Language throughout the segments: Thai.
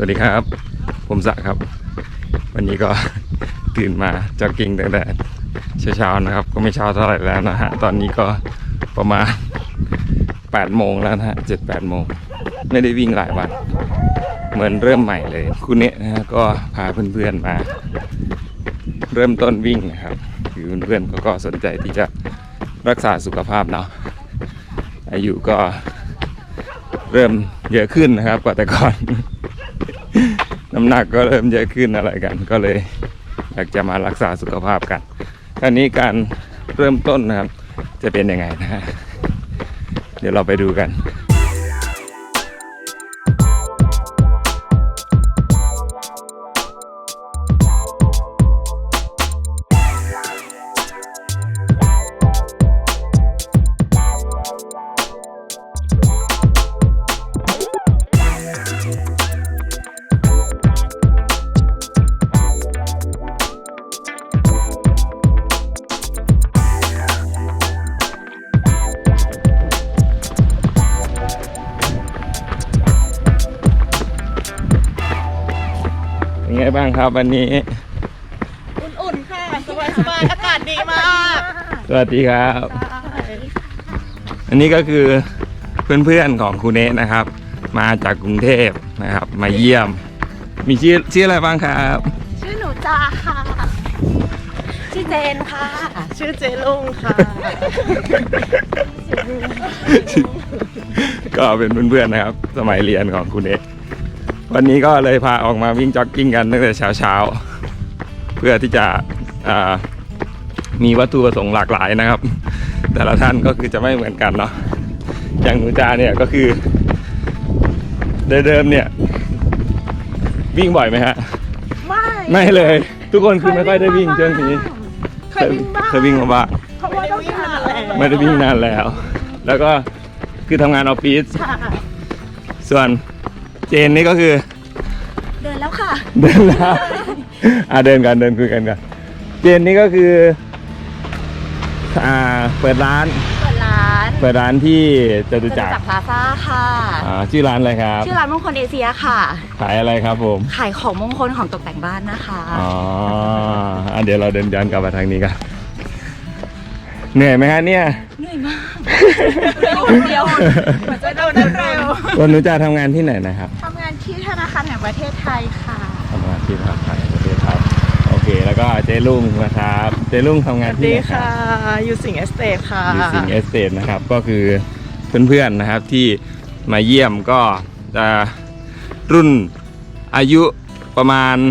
วัสดีครับผมศักดิ์ครับวันนี้ก็ตื่นมาจ็อกกิ้งตั้งแต่เช้าๆนะครับก็ไม่เช้าเท่าไหร่แล้วนะฮะตอนนี้ก็ประมาณ8 โมงแล้วนะฮะ7-8 โมงไม่ได้วิ่งหลายวันเหมือนเริ่มใหม่เลยคุณเนะนะฮะก็พาเพื่อนๆมาเริ่มต้นวิ่งนะครับคือเพื่อนๆก็สนใจที่จะรักษาสุขภาพเนาะอายุก็เริ่มเยอะขึ้นนะครับกว่าแต่ก่อน น้ำหนักก็เริ่มเยอะขึ้นอะไรกันก็เลยอยากจะมารักษาสุขภาพกันคราวนี้การเริ่มต้นนะครับจะเป็นยังไงนะฮะเดี๋ยวเราไปดูกันเป็นไงบ้างครับวันนี้อุ่นๆค่ะสบายๆอากาศดีมากสวัสดีครับอันนี้ก็คือเพื่อนๆของครูเนะนะครับ มาจากกรุงเทพนะครับมาเยี่ยมมีชื่ออะไรบ้างครับชื่อหนูจ้าค่ะชื่อเจนค่ะชื่อเจลุงค่ะก็เป็นเพื่อนๆนะครับสมัยเรียนของครูเนะวันนี้ก็เลยพาออกมาวิ่งจ็อกกิ้งกันตั้งแต่เช้าเพื่อที่จะมีวัตถุประสงค์หลากหลายนะครับแต่ละท่านก็คือจะไม่เหมือนกันเนาะอย่างหนูจาเนี่ยก็คือเดิมเนี่ยวิ่งบ่อยไหมฮะไม่เลยทุกคนคือไม่ค่อยได้วิ่งช่วงนี้เคยวิ่งมาบ้างเพราะว่าต้องวิ่งนานแล้วไม่ได้วิ่งนานแล้ว แล้วก็คือทำงานออฟฟิศส่วนเจนนี่ก็คือเดินแล้วค่ะเดินแล้วเดินกันเดินคุยกันกันเจนนี่ก็คือเปิดร้านที่จตุจักรพลาซ่าค่ะชื่อร้านอะไรครับชื่อร้านมงคลเอเชียค่ะขายอะไรครับผมขายของมงคลของตกแต่งบ้านนะคะเดี๋ยวเราเดินย้อนกลับมาทางนี้กันเหนื่อยไหมฮะเนี่ยเหนื่อยมากเดียวมันจะเดินเร็ววันนู้นจะทำงานที่ไหนนะครับทำงานที่ธนาคารแห่งประเทศไทยค่ะทำงานที่ธนาคารแห่งประเทศไทยโอเคแล้วก็เจลุงนะครับเจลุงทำงานที่ไหนครับอยู่สิงห์เอสเตทค่ะอยู่สิงห์เอสเตทนะครับก็คือเพื่อนๆนะครับที่มาเยี่ยมก็จะรุ่นอายุประมาณ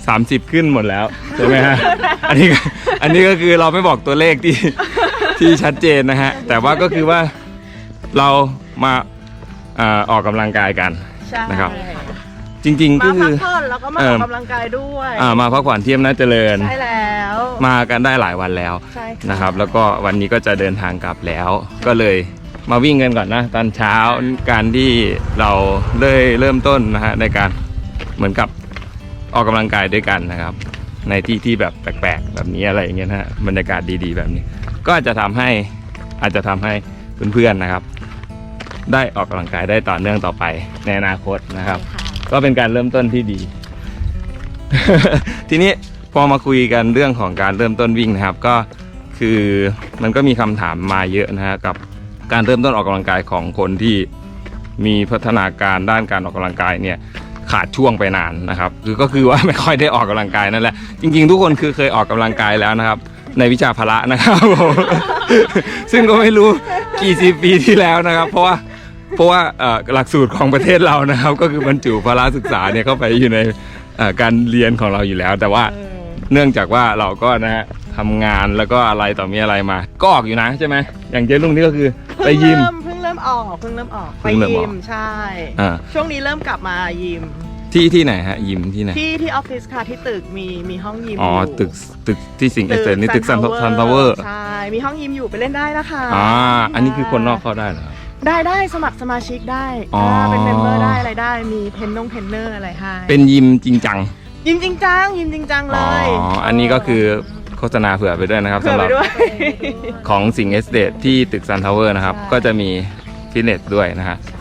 30ขึ้นหมดแล้วใช่ไหมฮะอันนี้ก็คือเราไม่บอกตัวเลขที่ชัดเจนนะฮะแต่ว่าก็คือว่าเรามาออกกำลังกายกันนะครับจริงๆก็คือมาพักผ่อนแล้วก็มาออกกำลังกายด้วยมาพักผ่อนที่อำนาจเจริญใช่แล้วมากันได้หลายวันแล้วนะครับแล้วก็วันนี้ก็จะเดินทางกลับแล้วก็เลยมาวิ่งกันก่อนนะตอนเช้าการที่เราเริ่มต้นนะฮะในการเหมือนกับออกกำลังกายด้วยกันนะครับในที่แบบแปลกๆแบบนี้อะไรอย่างเงี้ยนะฮะบรรยากาศดีๆแบบนี้ก็อาจจะทำให้เพื่อนๆนะครับได้ออกกำลังกายได้ต่อเนื่องต่อไปในอนาคตนะครับก็เป็นการเริ่มต้นที่ดี ทีนี้พอมาคุยกันเรื่องของการเริ่มต้นวิ่งนะครับก็คือมันก็มีคำถามมาเยอะนะฮะกับการเริ่มต้นออกกำลังกายของคนที่มีพัฒนาการด้านการออกกำลังกายเนี่ยขาดช่วงไปนานนะครับก็คือว่าไม่ค่อยได้ออกกำลังกายนั่นแหละจริงๆทุกคนคือเคยออกกำลังกายแล้วนะครับในวิชาพละนะครับ ซึ่งก็ไม่รู้กี่สิบปีที่แล้วนะครับเพราะว่าหลักสูตรของประเทศเรานะครับก็คือบรรจุพละศึกษาเนี่ยเข้าไปอยู่ในการเรียนของเราอยู่แล้วแต่ว่าเนื่องจากว่าเราก็นะฮะทำงานแล้วก็อะไรต่อมีอะไรมาก็ออกอยู่นะใช่ไหมอย่างเจ๊ลุงนี่ก็คือไปยิมเพิ่งเริ่มออกไปยิมใช่ช่วงนี้เริ่มกลับมายิมที่ไหนฮะยิมที่ไหนที่ออฟฟิศค่ะที่ตึกมีห้องยิมตึกที่สิงห์เอสเตทนี่ตึกซันทาวเวอร์ใช่มีห้องยิมอยู่ไปเล่นได้นะคะอันนี้คือคนนอกเข้าได้เหรอได้สมัครสมาชิกได้เป็นเมมเบอร์ได้อะไรได้มีเทรนเนอร์อะไรให้เป็นยิมจริงจังยิมจริงจังเลยอันนี้ก็คือโฆษณาเผื่อไปด้วยนะครับสำหรับของสิงห์เอสเตทที่ตึกซันทาวเวอร์นะครับก็จะมีฟิตเนสด้วยนะฮะ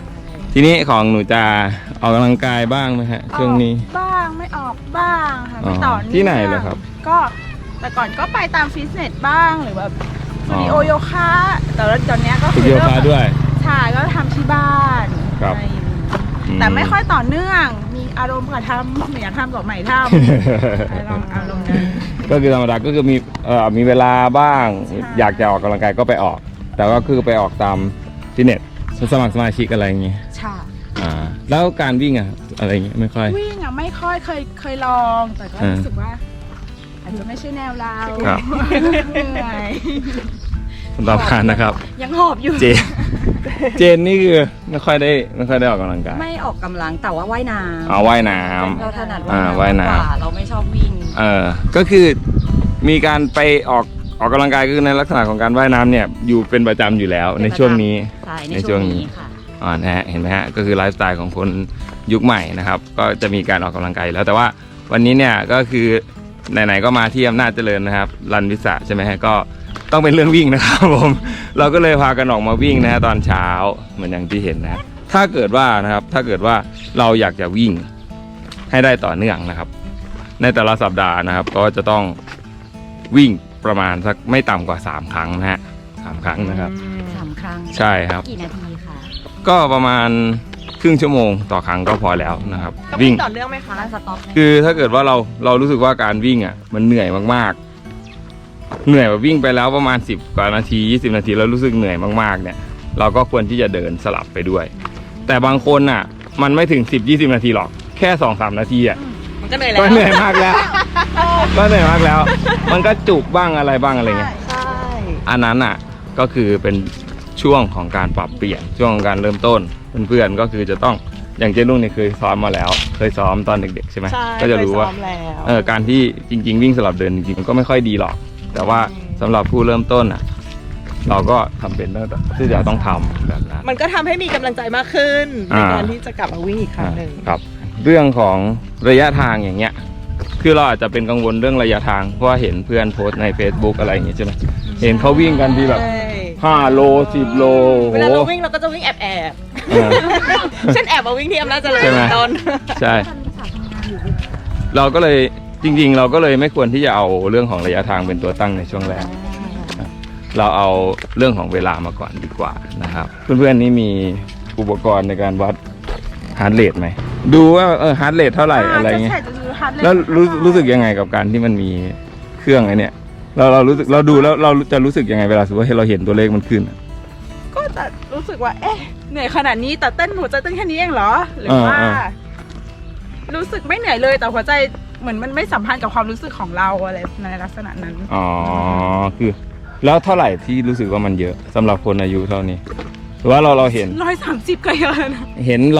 ทีนี้ของหนูจะออกกำลังกายบ้างไหมฮะช่วงนี้บ้างไม่ออกบ้างค่ะไม่ต่อเนื่องที่ไหนเหรอครับก็แต่ก่อนก็ไปตามฟิตเนสบ้างหรือแบบสตูดิโอโยคะแต่ว่าตอนเนี้ยก็ฝึคืกอโยเริ่มคะด้วยใช่ก็ทำที่บ้านครับอะไรอย่างงี้แต่ไม่ค่อยต่อเนื่องมีอารมณ์กับทำไม่อยากทำกับใหม่ทำอารมณ์นั้นก็คือธรรมดาก็คือมีเวลาบ้าง อยากจะออกกำลังกายก็ไปออก แต่ก็คือไปออกตามฟิตเนสสมัครสมาชิกอะไรอย่างเงี้ยใช่แล้วการวิ่งอะอะไรอย่างเงี้ยไม่ค่อยวิ่งอ่ะไม่ค่อยเคยลองแต่ก็รู้สึกว่าอาจจะไม่ใช่แนวเราครับเหนื่อยต่อผ่านนะครับยังหอบอยู่เจนนี่คือไม่ค่อยได้ออกกำลังกายไม่ออกกำลังแต่ว่าว่ายน้ำว่ายน้เราถนัดว่ายน้ำมกกว่าเราไม่ชอบวิ่งก็คือมีการไปออกกำลังกายคือในลักษณะของการว่ายน้ำเนี่ยอยู่เป็นประจำอยู่แล้วในช่วงนี้ใช่ในช่วงนี้ค่ะนะฮะเห็นไหมฮะก็คือไลฟ์สไตล์ของคนยุคใหม่นะครับก็จะมีการออกกำลังกายอยู่แล้วแต่ว่าวันนี้เนี่ยก็คือไหนๆก็มาที่อำนาจเจริญนะครับรันวิสาใช่ไหมฮะก็ต้องเป็นเรื่องวิ่งนะครับผมเราก็เลยพากันออกมาวิ่งนะฮะตอนเช้าเหมือนอย่างที่เห็นนะถ้าเกิดว่าเราอยากจะวิ่งให้ได้ต่อเนื่องนะครับ ในแต่ละสัปดาห์นะครับก็จะต้องวิ่งประมาณสักไม่ต่ำกว่า3ครั้งนะฮะ3ครั้งนะครับ 3 ครั้งใช่ครับกี่นาทีคะก็ประมาณครึ่งชั่วโมงต่อครั้งก็พอแล้วนะครับต้องวิ่งต่อเนื่องไหมคะร้านสต็อปไหมคือถ้าเกิดว่าเรารู้สึกว่าการวิ่งอ่ะมันเหนื่อยมากๆเหนื่อยแบบวิ่งไปแล้วประมาณ10กว่านาที20นาทีแล้วรู้สึกเหนื่อยมากๆเนี่ยเราก็ควรที่จะเดินสลับไปด้วย แต่บางคนอ่ะมันไม่ถึง10-20นาทีหรอกแค่ 2-3 นาทีอ่ะมันก็เหนื่อยแล้วก็เหนื่อยมากแล้วก็เหนื่อยมากแล้ว มันก็จุกบ้างอะไรบ้างอะไรเงี้ยใช่อันนั้นอ่ะก็คือเป็นช่วงของการปรับเปลี่ยนช่วงของการเริ่มต้นเพื่อนๆก็คือจะต้องอย่างเจนุ่งเนี่ยเคยซ้อมมาแล้ว เคยซ้อมตอนเด็กๆใช่ไหมใช่ก็จะรู้ว่าเคยซ้อมแล้วการที่จริงๆวิ่งสลับเดินจริงๆมันก็ไม่ค่อยดีหรอก แต่ว่าสำหรับผู้เริ่มต้นอ่ะเราก็ทำเป็นที่จะต้องทำแบบนั้นมันก็ทำให้มีกำลังใจมากขึ้นในอ่าการที่จะกลับมาวิ่งอีกครั้งหนึ่งครับเรื่องของระยะทางอย่างเงี้ยคือเราอาจจะเป็นกังวลเรื่องระยะทางเพราะว่าเห็นเพื่อนโพสต์ใน Facebook อะไรอย่างเงี้ยใช่ไหมเห็นเขาวิ่งกันที่แบบใช่ 5 โล 10 โลเวลาเราวิ่งเราก็จะวิ่งแอบเออๆ ฉันแอบมาวิ่งที่อำนาจเจริญใช่ไหมตอนใช่ เราก็เลยจริงๆ เราก็เลยไม่ควรที่จะเอาเรื่องของระยะทางเป็นตัวตั้งในช่วงแรก เราเอาเรื่องของเวลามาก่อนดีกว่านะครับ เพื่อนๆนี่มีอุปกรณ์ในการวัดฮาร์ทเรทไหมดูว่าฮาร์ทเรทเท่าไหร่อะไรเงี้ยจะดูฮาร์ดเรทแล้วรู้สึกยังไงกับการที่มันมีเครื่องไอ้เนี่ยเรารู้สึกเราดูแล้วเราจะรู้สึกยังไงเวลาสมมติว่าเราเห็นตัวเลขมันขึ้นอะก็จะรู้สึกว่าเอ๊ะเหนื่อยขนาดนี้แต่เต้นหัวใจเต้นแค่นี้เองเหรอหรือว่า รู้สึกไม่เหนื่อยเลยแต่หัวใจเหมือนมันไม่สัมพันธ์กับความรู้สึกของเราอะไรในลักษณะนั้นอ๋อคือแล้วเท่าไหร่ที่รู้สึกว่ามันเยอะสำหรับคนอายุเท่านี้หรือว่าเราเห็น 130ก็เยอะนะเห็น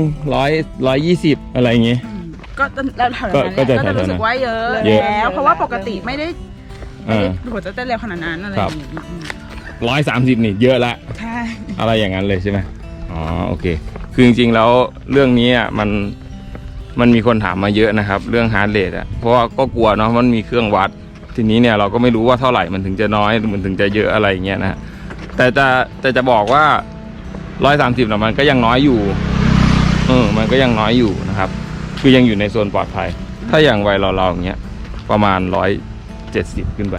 100 120อะไรอย่างงี้ก็แล้วแถวนั้นก็จะก็จะรู้สึกว่าเยอะเยอะแล้วเพราะว่าปกติไม่ได้เออหัวใจเต้นเร็วขนาดนั้นอะไรอย่างงี้ 130นี่เยอะละใช่อะไรอย่างนั้นเลยใช่ไหมอ๋อโอเคคือจริงๆแล้วเรื่องนี้อ่ะมันมีคนถามมาเยอะนะครับเรื่องฮาร์ทเรทอ่ะเพราะว่าก็กลัวเนาะมันมีเครื่องวัดทีนี้เนี่ยเราก็ไม่รู้ว่าเท่าไหร่มันถึงจะน้อยมันถึงจะเยอะอะไรอย่างเงี้ยนะแต่จะบอกว่า130นะมันก็ยังน้อยอยู่มันก็ยังน้อยอยู่นะครับคือยังอยู่ในโซนปลอดภัยถ้าอย่างวัยเราอย่างเงี้ยประมาณ170ขึ้นไป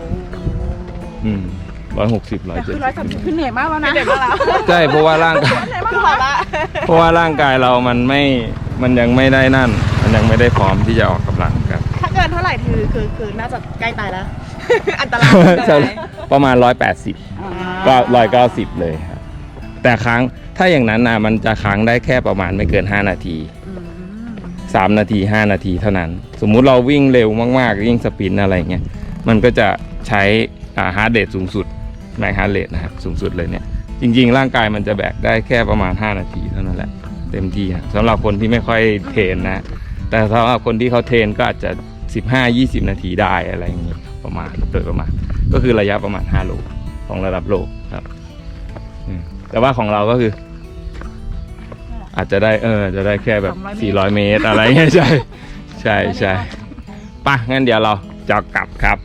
160 แต่คือ 170 130คือเหนื่อยมากแล้วนะเหนื่อยมากแล้วใช่เพราะว่าร่างกายคือพอละเพราะว่าร่างกายเรามันยังไม่ได้นั่น มันยังไม่ได้พร้อมที่จะออกกำลังกันถ้าเกินเท่าไหร่คือน่าจะใกล้ตายแล้ว อันตรายใช่ประมาณ180ก็190เลยครับแต่ถ้าอย่างนั้นนะมันจะค้างได้แค่ประมาณไม่เกิน5นาที3นาที5นาทีเท่านั้น สมมุติเราวิ่งเร็วมากๆวิ่งสปรินต์อะไรเงี้ยมันก็จะใช้ฮาร์ทเรทสูงสุดแม็กฮาร์ทเรทนะครับสูงสุดเลยเนี่ยจริงๆร่างกายมันจะแบกได้แค่ประมาณ5นาทีเท่านั้นแหละเต็มที่สำหรับคนที่ไม่ค่อยเทรนนะแต่สำหรับคนที่เขาเทรนก็อาจจะ15-20 นาทีได้อะไรอย่างเงี้ยโดยประมาณก็คือระยะประมาณ5โลของระดับโลกครับแต่ว่าของเราก็คือ อาจจะได้จะได้แค่แบบ400 เมตรอะไรเงี้ยใช่ป่ะงั้นเดี๋ยวเราจะกลับครับ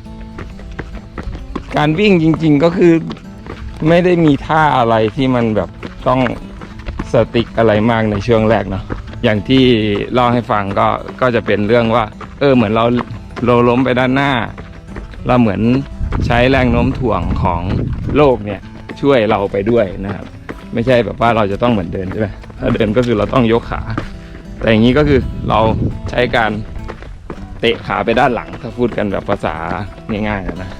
การวิ่งจริงๆก็คือไม่ได้มีท่าอะไรที่มันแบบต้องสติ๊กอะไรมากในช่วงแรกเนาะอย่างที่เล่าให้ฟังก็จะเป็นเรื่องว่าเหมือนเราล้มไปด้านหน้า เราเหมือนใช้แรงโน้มถ่วงของโลกเนี่ยช่วยเราไปด้วยนะครับไม่ใช่แบบว่าเราจะต้องเหมือนเดินใช่ไหมถ้าเดินก็คือเราต้องยกขา แต่อย่างนี้ก็คือเราใช้การเตะขาไปด้านหลังถ้าพูดกันแบบภาษาง่ายๆนะ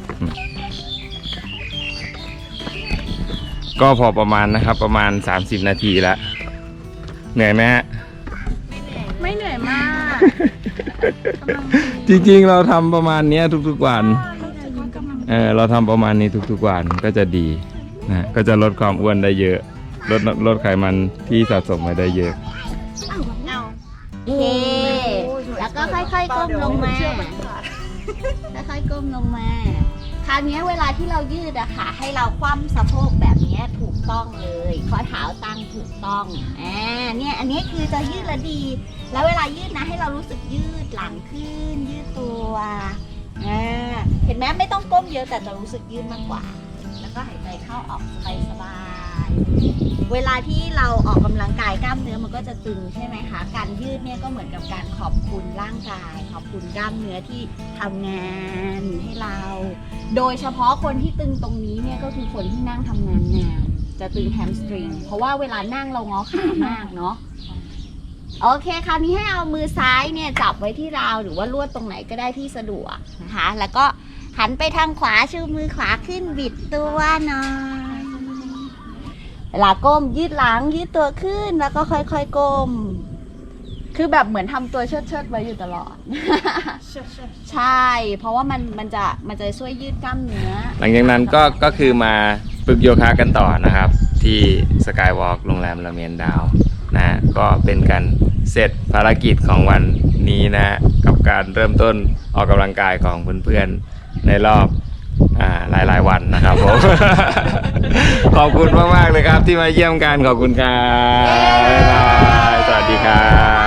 ก็พอประมาณนะครับประมาณ30 นาทีแล้วเหนื่อยไหมฮะไม่เหนื่อยมากจริงๆเราทำประมาณนี้ทุกๆวันเราทำประมาณนี้ทุกๆวันก็จะดีนะก็จะลดความอ้วนได้เยอะลดไขมันที่สะสมมาได้เยอะโอเค แล้วก็ค่อยๆก้มลงมา ค่อยๆก้มลงมา คราวนี้เวลาที่เรายืดอะค่ะ ให้เราคว่ำสะโพกแบบนี้ถูกต้องเลยข้อเท้าตั้งถูกต้องเนี่ยอันนี้คือจะยืดและดี แล้วเวลายืดนะให้เรารู้สึกยืดหลังขึ้น ยืดตัวเห็นไหมไม่ต้องก้มเยอะแต่จะรู้สึกยืดมากกว่า แล้วก็หายใจเข้าออกสบายๆเวลาที่เราออกกำลังกายกล้ามเนื้อมันก็จะตึงใช่ไหมคะการยืดเนี่ยก็เหมือนกับการขอบคุณร่างกายขอบคุณกล้ามเนื้อที่ทำงานให้เรา โดยเฉพาะคนที่ตึงตรงนี้เนี่ยก็คือคนที่นั่งทำงานนานจะตึงแฮมสตริงเพราะว่าเวลานั่งเรางอขามากเนาะโอเคคราวนี้ให้เอามือซ้ายเนี่ยจับไว้ที่ราวหรือว่าลวดตรงไหนก็ได้ที่สะดวกนะคะแล้วก็หันไปทางขวาชูมือขวาขึ้นบิดตัวหน่อยเวลาก้มยืดหลังยืดตัวขึ้นแล้วก็ค่อยๆก้มคือแบบเหมือนทำตัวเชิดๆไว้อยู่ตลอด ใช่เพราะว่ามันจะช่วยยืดกล้ามเนื้อหลังจากนั้นก็คือมาฝึกโยคะกันต่อนะครับที่สกายวอล์กโรงแรมละเมียนดาวนะก็เป็นการเสร็จภารกิจของวันนี้นะกับการเริ่มต้นออกกำลังกายของเพื่อนๆในรอบหลายๆวันนะครับผม ขอบคุณมากๆเลยครับที่มาเยี่ยมกันขอบคุณครับบ๊ายบายสวัสดีครับ